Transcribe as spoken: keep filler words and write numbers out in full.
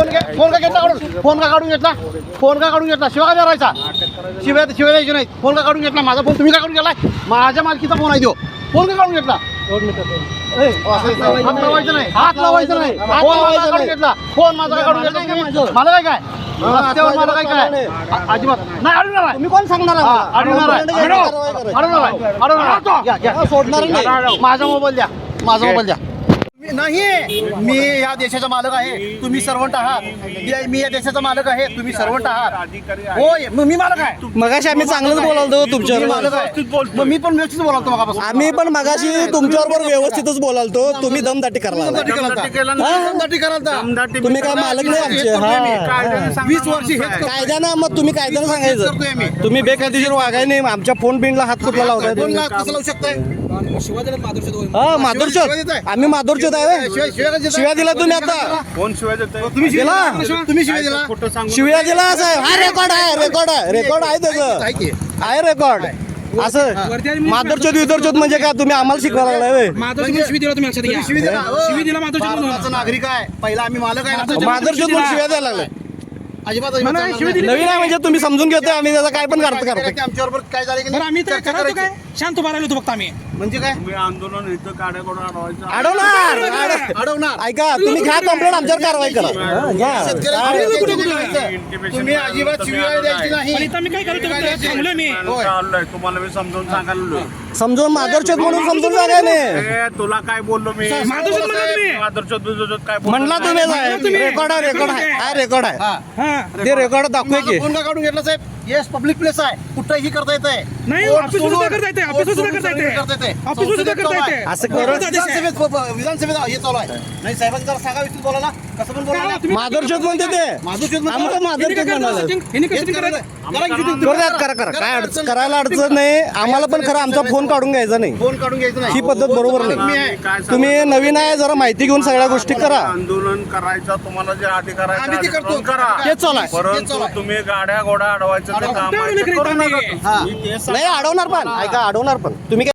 Phone घे- phone का घेतला काढून फोन का काढून घेतला फोन का काढून घेतला शिवाय काय करायचा शिवाय शिवाय द्यायची नाही फोन का काढून घेतला माझा फोन तुम्ही का काढून घेतलाय माझ्या मालकीचा फोन आहे तो फोन का काढून घेतला हात लावायचं नाही हात लावायचं नाही फोन माझा काढून घेतला फोन माझा का काढून घेतला मला काय काय रस्त्यावर मला काय काय अ- अजिबात नाही अडवणार आहे तुम्ही कोण सांगणार हा, अडवणार आहे अडवणार आहे अडवणार आहे या, या. सोडणार नाही. माझा मोबाईल द्या माझा मोबाईल द्या मी- नाही मी या देशाचा मालक आहे तुम्ही सर्वंट आहात मी- मी या देशाचा मालक आहे तुम्ही सर्वंट आहात होय मग मी मालक आहे मगाशी आम्ही चांगलंच बोलालतो मी तुमच्यावर मालक आहे मग मी पण व्यवस्थित बोलतो मगापासून आम्ही पण मगाशी तुमच्याबरोबर व्यवस्थितच बोलालतो तुम्ही दमदाटी करला दमदाटी करालता. हा, दमदाटी करालता. तुम्ही काय मालक नाही आमचे हेच करतोय मी. हा. वीस वर्ष हेच करतोय. कायद्यानं मग तुम्ही कायद्यानं करतोय मी. सांगायचं तुम्ही बेकायदेशीर वागाय नाही आमच्या फोन बिनला हात कुठला लावताय दोन तुम्ही? लाख कसं लावू शकताय हा शिवाय माधुरचोद देताय? आम्ही माधुरचोद आहे शिवाय- शिवाय का देताय? शिव्या दिला तुम्ही आता कोण शिवाय देतोय? तुम्ही शिवाय दिला? दिला? तुम्ही शिवाय दिला खोटं सांगू शिव्या दिला साहेब हा रेकॉर्ड आहे रेकॉर्ड आहे रेकॉर्ड आहे त्याचं आहे की? आहे रेकॉर्ड असं माधुरचोद विदरचोद म्हणजे काय तुम्ही आम्हाला शिकवायला लागलाय व्हय? माधवची शिवी दिला तुम्ही लक्षात घ्या. तुम्ही शिवी दिला हो. शिवी दिला माधवच्या म्हणून. भारताचा नागरिक आहे पहिला आम्ही मालक आहे ना. माधुरचोद म्हणून शिव्या द्यायला लागलाय अजिबात अजिबात चालणार नाही. नवीन आहे म्हणजे तुम्ही समजून घेतोय आम्ही त्याचा काय पण करतो काय करतो की आमच्याबरोबर काय झालं की बरं आम्ही नाही तर चर्चा करायचो करायची. काय शांत उभा राहिलो होतो फक्त आम्ही म्हणजे काय तुम्ही आंदोलन इथं काड्या कडून अडवायचं अडवणार अडव- अडवणार ऐका तुम्ही घ्या कंप्लेंट आमच्यावर कारवाई करा हा, घ्या शेतकऱ्याला काय? करायचं. तुम्ही अजिबात शिवाय द्यायची नाही पण इथं आम्ही काय करतो फक्त थांबलोय मी होय. चाललोय तुम्हाला मी समजावून सांगायला समजून माधुरचोद म्हणून समजून सांगाय नाही ए, तुला काय बोललो मी माधवच्या म्हणला तुम्ही माधुरचोद बिधुरचोद काय बोललो म्हणला नाही. तुम्ही साहेब रेकॉर्ड आहे रेकॉर्ड आहे हा रेकॉर्ड आहे हा. हा ते रेकॉर्ड दाखवूय की फोन का काढून घेतला साहेब येस पब्लिक प्लेस आहे कुठेही करता येतंय नाही, कोर्ट ऑफिसवर सुद्धा सोडून- करता येतंय, कोर्ट ऑफिसवर सुद्धा सोडून करता येतंय. करता येतंय. ऑफिसवर सुद्धा संसदेत करता चालू आहे. येतंय. असं करू विधानसभेत विधानसभेत हे चालू आहे नाही साहेबांनी जरा सांगा विस्तृत बोला ना कसं पण बोला ना माधुरचोद म्हणते ते माधुरचोद म्हणतो. आम्हाला माधुरचोद म्हणाले हिने हेच कसं करायला. करायचं करा की तुम्ही. करू द्यात करा करा काय अडचण करायला अडचण नाही आम्हाला पण खरं आमचा फोन काढून घ्यायचा नाही फोन काढून घ्यायचं नाही ही पद्धत बरोबर मी नाही आहे. काय सांगू? तुम्ही नवीन आहे जरा माहिती घेऊन सगळ्या गोष्टी करा आंदोलन करायचं तुम्हाला जे अधिकार आहे आम्ही ते ते करतो. आंदोलन करा तेच चालू आहे. तेच चालू परंतु आहे. तुम्ही गाड्या घोडा अडवायचं ते काम आहे, ते अडवणं करू करीत नका नाही. तुम्ही. हा. मी तेच नाही अडवणार पण ऐका अडवणार पण तुम्ही